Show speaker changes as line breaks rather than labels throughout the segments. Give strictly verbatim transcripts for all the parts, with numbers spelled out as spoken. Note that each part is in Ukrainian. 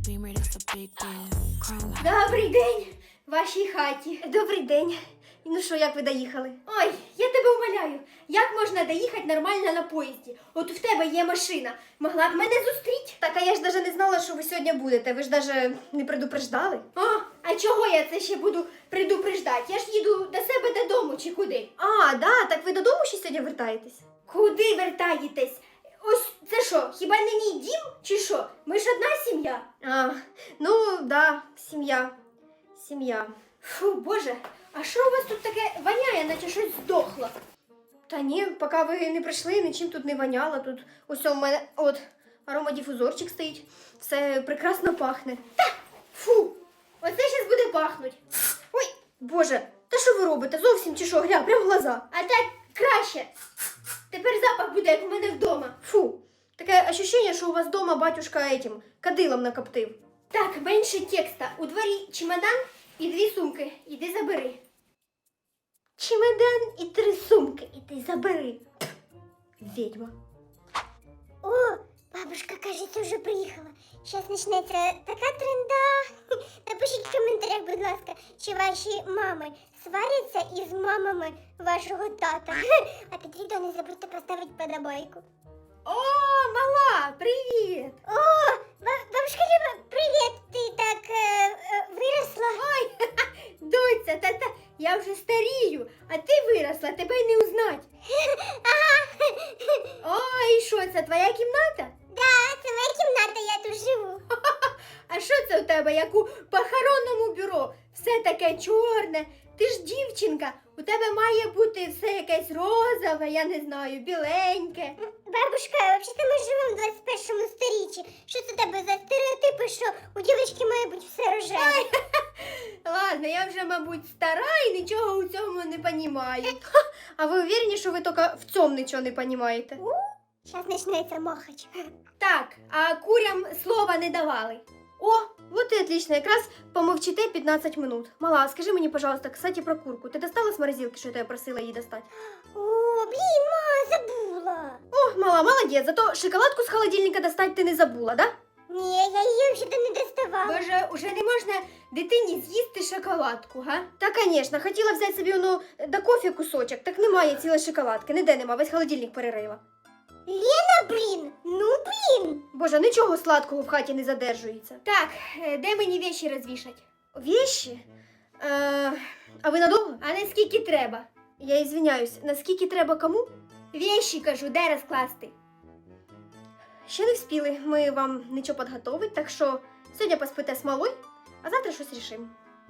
Beamer, that's a big deal. Chrome.
Добрий день в вашій хаті.
Добрий день. Ну що, як ви доїхали?
Ой, я тебе умоляю, як можна доїхати нормально на поїзді? От в тебе є машина, могла б мене зустріти.
Так, а я ж навіть не знала, що ви сьогодні будете. Ви ж навіть не предупреждали.
А, а чого я це ще буду предупреждати? Я ж їду до себе додому чи куди?
А, да, так ви додому ще сьогодні вертаєтесь?
Куди вертаєтесь? Ось це що, хіба не мій дім чи що? Ми ж одна сім'я.
А, ну, да, сім'я. Сім'я.
Фу, боже, а що у вас тут таке воняє, наче щось здохло?
Та ні, поки ви не прийшли, нічим тут не воняло. Тут ось у мене от аромадифузорчик стоїть. Все прекрасно пахне.
Та, фу, оце зараз буде пахнуть.
Ой, боже, та що ви робите? Зовсім чи що? Гля, прям в глаза.
А так краще. Тепер запах буде, як у мене вдома.
Фу, таке ощущення, що у вас вдома батюшка этим кадилом накоптив.
Так, менше текста. У дворі чемодан і дві сумки. Іди забери.
Чемодан і три сумки, і ти забери. Ведьма.
О, бабушка, кажется, уже приїхала. Сейчас почнеться така тренда. Напишіть в коментарях, будь ласка, чи ваші мами сваряться із мамами вашого тата. А під відео не забудьте поставити подобайку.
О, мала, привіт!
О, ба- бабушка Люба, привіт! Ти так е, е, виросла.
Ой, доця, та-та, я вже старію, а ти виросла, тебе й не узнать.
Ага.
О, і що, це твоя кімната?
Да, це моя кімната, я тут живу.
А що це у тебе, як у похоронному бюро? Все таке чорне. Ти ж дівчинка, у тебе має бути все якесь розове, я не знаю, біленьке.
Бабушка, взагалі ми живемо в двадцять першому сторіччі. Що це у тебе за стереотипи, що у дівчинки має бути все рожеве?
Ладно, я вже, мабуть, стара і нічого у цьому не понімаю.
А ви уверені, що ви тільки в цьому нічого не розумієте?
Зараз почнеться махач.
Так, а курям слова не давали.
О, вот и отлично, якраз помовчите п'ятнадцять минут. Мала, скажи мені, пожалуйста, кстати, про курку. Ти достала з морозилки, що я тебе просила її достати?
О, блін, ма, забула.
О, мала, молодець, зато шоколадку з холодильника достать ти не забула, да?
Ні, я її взагалі не доставала.
Боже, уже не можна дитині з'їсти шоколадку, га?
Та, конечно, хотіла взяти собі воно до кофе кусочок, так немає цілої шоколадки, ніде нема, весь холодильник перерила.
Лена, блін, ну блін.
Боже, нічого сладкого в хаті не задержується.
Так, е, де мені віші розвішать?
Вещи? Е, а ви надовго?
А наскільки треба?
Я извиняюсь, наскільки треба кому?
Віші, кажу, де розкласти?
Ще не вспіли, ми вам нічого підготовить, так що сьогодні поспите з малою, а завтра щось рішимо.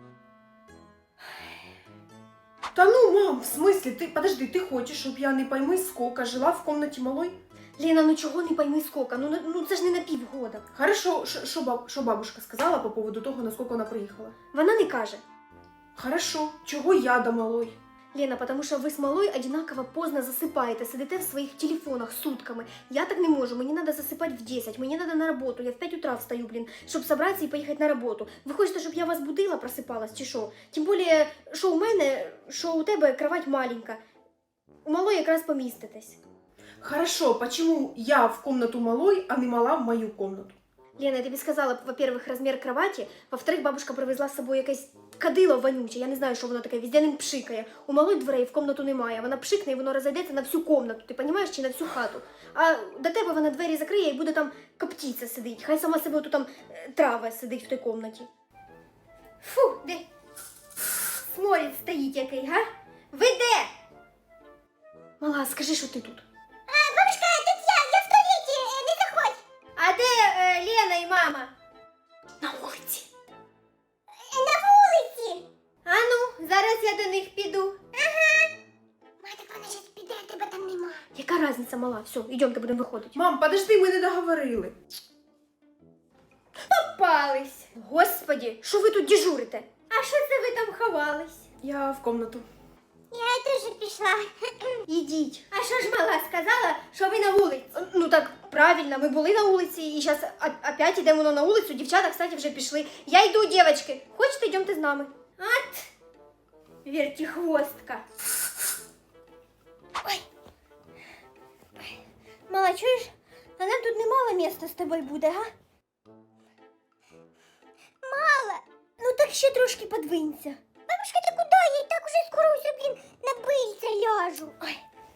Та ну, мам, в смысле? Ты, подожди, ты хочешь, чтобы я, не пойми сколько, жила в комнате малой?
Лена, ну чого не пойми скільки, ну, ну це ж не на півгода.
Хорошо, що баб, бабушка сказала по поводу того, наскільки вона приїхала?
Вона не каже.
Хорошо, чого я до малой?
Лена, потому що ви з малою одинаково поздно засипаєте, сидите в своїх телефонах сутками. Я так не можу, мені треба засипати в десять, мені треба на роботу, я в п'ять утра встаю, блін, щоб зібратися і поїхати на роботу. Ви хочете, щоб я вас будила, просипалась чи що? Тим більше, що у мене, що у тебе кровать маленька. У малої якраз поміститесь.
Хорошо, почему я в комнату малой, а не мала в мою комнату?
Лена, я тобі сказала, во-первых, розмір кроваті, во-вторых, бабушка привезла з собою якесь кадило вонюче, я не знаю, що воно таке, везде ним пшикає. У малої дверей в комнату немає, вона пшикне і воно розійдеться на всю комнату, ти розумієш, чи на всю хату. А до тебе вона двері закриє і буде там коптіця сидить, хай сама себе тут там е, трава сидить в той комнаті.
Фу, де? Сморід стоїть який, га? Ви де?
Мала, скажи, що ти тут.
А, бабушка, тут я, я в туалеті, е, не заходь.
А де е, Лена і мама?
На вулиці.
Е, На вулиці.
А ну, зараз я до них піду.
Ма, так вона зараз піде, а тебе там нема.
Яка різниця, мала? Все, йдемте, будемо виходити.
Мам, подожди, ми не договорили.
Попались.
Господі, що ви тут дежурите?
А що це ви там ховались?
Я в комнату.
Я теж пішла.
Ідіть.
А що ж мала сказала, що ви на вулиці?
Ну так, правильно, ми були на вулиці, і зараз опять йдемо на вулицю, дівчата, кстати, вже пішли. Я йду, дівчатки. Хочете, йдемте з нами.
От, вертихвостка. Ой. Мала, чуєш? А нам тут немало місця з тобою буде, га?
мало.
Ну так ще трошки подвинься.
Бабушка, ты куда? Я и так уже скоро уже, блин, на пыльце ляжу.
Ой.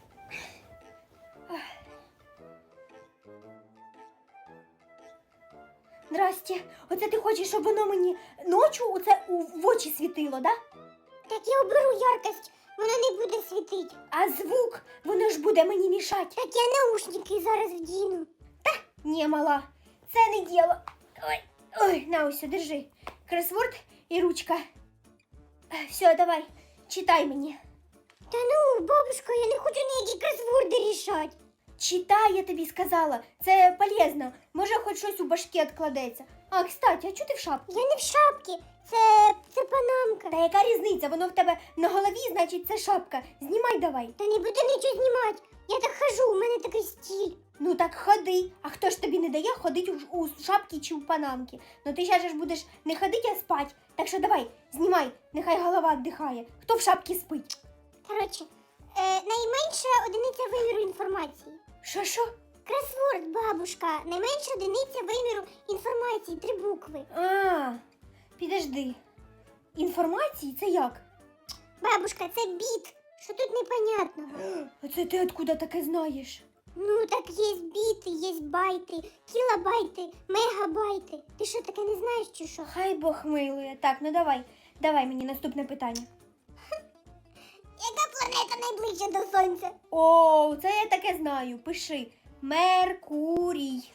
Здрасте. Оце ти хочеш, щоб воно мені ночі оце у в очі світило, да?
Так я уберу яркость, вона не буде світить.
А звук, воно ж буде мені мішати.
Так я наушники зараз вдіну.
Ні, мала, це не діло. Ой, ой, на ось, держи. Кросворд і ручка. Все, давай, читай мені.
Та ну, бабушка, я не хочу ніякі кросворди рішати.
Читай, я тобі сказала. Це полезно. Може, хоч щось у башки відкладеться. А, кстати, а чого ти в шапці?
Я не в шапці, це, це панамка.
Та яка різниця? Воно в тебе на голові, значить, це шапка. Знімай давай.
Та не буду нічого знімати. Я так хожу, у мене такий стиль.
Ну так ходи. А хто ж тобі не дає ходити у, у шапці чи у панамці? Ну ти зараз ж будеш не ходити, а спать. Так що давай, знімай, нехай голова віддихає. Хто в шапці спить?
Коротше, е, найменша одиниця виміру інформації.
Що, що?
Кросворд, бабушка. Найменша одиниця виміру інформації, три букви.
А, підожди. Інформації це як?
Бабушка, це біт. Що тут непонятного?
А це ти откуда таке знаєш?
Ну, так є біти, є байти, кілобайти, мегабайти. Ти що, таке не знаєш чи що?
Хай Бог милує. Так, ну давай, давай мені наступне питання.
Яка планета найближча до Сонця?
О, це я таке знаю. Пиши. Меркурій.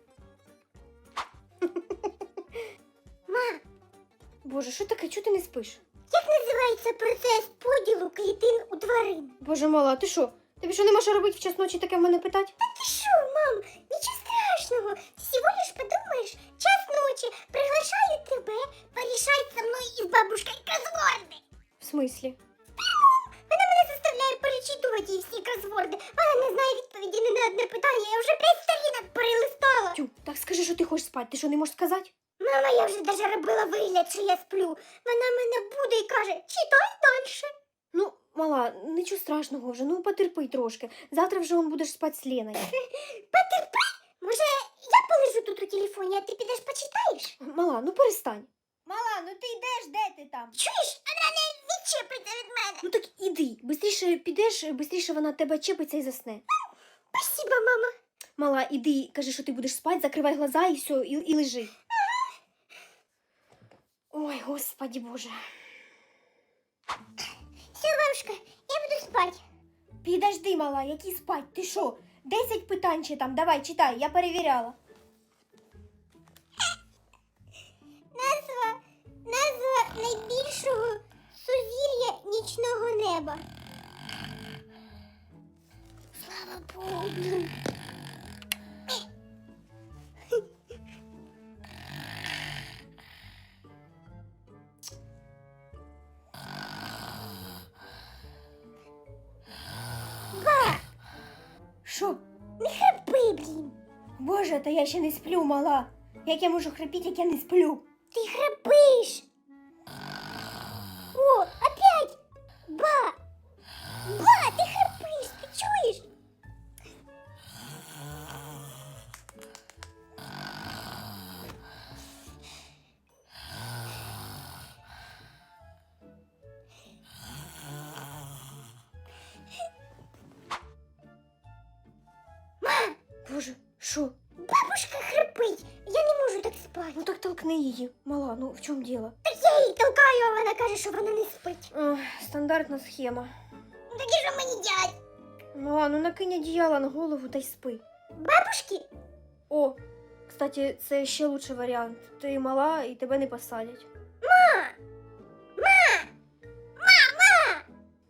Ма,
Боже, що таке? Чого ти не спиш?
як називається процес поділу клітин у тварин?
Боже мала, ти що? Тобі що нема що робити в час ночі таке в мене питати?
Ти що, мам, нічого страшного. Всего лишь подумаешь, час ночи, приглашаю тебе порішати со мною із бабушкою кросворди.
В смислі?
Вона мене заставляє перечитувати їй всі кросворди. Вона не знає відповіді ні на одне питання. Я вже п'ять сторінок перелистала.
Тю, так скажи, що ти хочеш спати. Ти що, не можеш сказати?
Мама, я вже даже робила вигляд, що я сплю. Вона мене буде і каже, читай далі.
Ну, мала, нічого страшного вже, ну потерпи трошки. Завтра вже он будеш спати з Леною.
Потерпи. Може, я полежу тут у телефоні, а ти підеш почитаєш?
Мала, ну перестань. Мала, ну ти йдеш, де ти там?
Чуєш, вона не відчепиться від мене.
Ну так іди, бистріше підеш, бистріше вона тебе чепиться і засне.
Спасибо, мама.
Мала, іди, кажи, що ти будеш спати, закривай глаза і все, і, і лежи. Ой, господи боже.
Все, бабушка, я буду спати.
Підожди, мала, які спать? Ти що? Десять питань ще там, давай, читай, я перевіряла.
Назва, назва найбільшого сузір'я нічного неба. Слава Богу, блін.
Що?
Не храпи, блін.
Боже, та я ще не сплю, мала. Як я можу храпіти, як я не сплю?
Ти храпиш. О, опять. Ба. Ба, ти храпиш, ти чуєш?
Боже, що?
Бабушка храпить. Я не можу так спати.
Ну так толкни її, мала, ну в чому діло?
Так я її толкаю, а вона каже, що вона не спить.
Ох, стандартна схема.
Ну так і що мені делать?
Мала, ну накинь одіяло на голову та й спи.
Бабушки?
О, кстати, це ще лучший варіант. Ти мала і тебе не посадять.
Ма! Ма! Мама!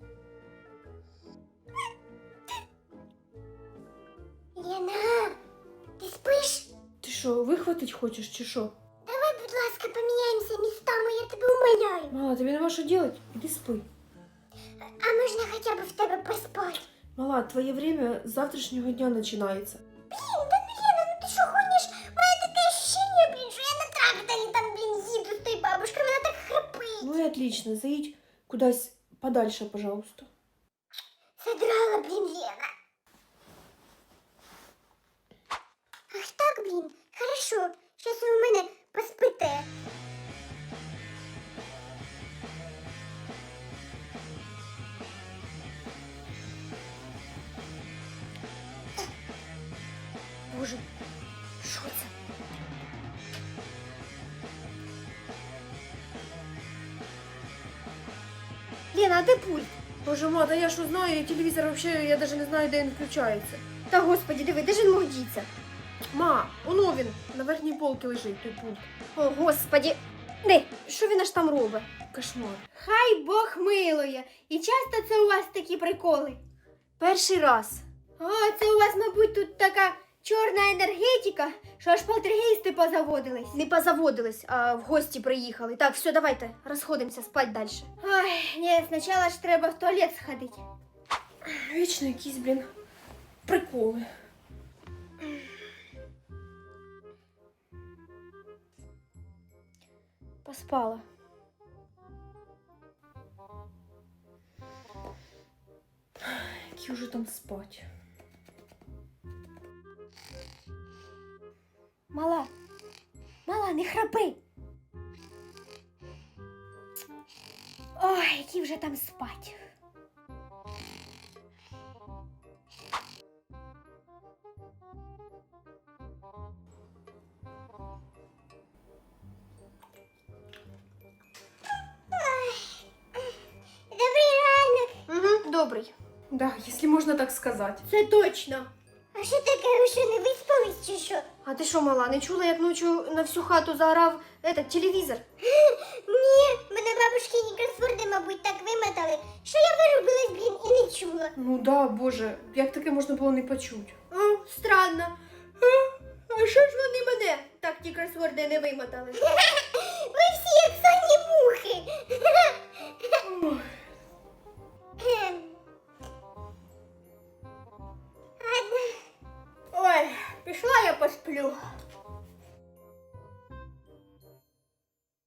Лена, ти спиш?
Ти що, вихватить хочеш чи що?
Давай, будь ласка, поміняємося містами, я тебе умоляю.
Мала, тобі нема що делать? Іди спи.
А можна хоча б в тебе поспати?
Мала, твоє время з завтрашнього дня починається.
Блін, да ну, Лена, ну ти що гониш? У мене таке ощущення, блін, що я на тракторі там, блін, їду з тою бабушкою, вона так храпить.
Ну і отлично, заїдь кудись подальше, пожалуйста.
Задрала, блін, Лена. Ах так, блін, хорошо, щас ви у мене поспите.
Боже, що це? Лена, а де пульт?
Боже, ма, да я що знаю, телевізор вообще, я даже не знаю, де він включається.
Та господі, диви, де ж він мог діться?
Ма, воно він, на верхній полці лежить той пульт.
О, господі. Де, що він аж там робить?
Кошмар.
Хай Бог милує. І часто це у вас такі приколи?
Перший раз.
О, це у вас, мабуть, тут така чорна енергетика, що аж полтергейсти позаводились.
Не позаводились, а в гості приїхали. Так, все, давайте, розходимося, спать далі.
Ой, ні, спочатку ж треба в туалет сходити.
Вічно якісь, блін, приколи.
Поспала.
Які вже там спать.
Мала, мала, не храпи. Ой, які вже там спать.
Добрий ранок.
Угу, добрий.
Да, якщо можна так сказати.
Це точно.
А що таке, ви що, не виспались чи що?
А ти що, мала, не чула, як ночі на всю хату заорав этот телевізор?
Ні, мене бабушкині кросворди, мабуть, так вимотали, що я вирубилась, блін, і не чула.
Ну да, боже, як таке можна було не почути?
О, странно. А, а що ж вони мене так ті кросворди не вимотали?
Ви всі як сонні мухи. Ем. Ладно.
Ой, пішла я посплю.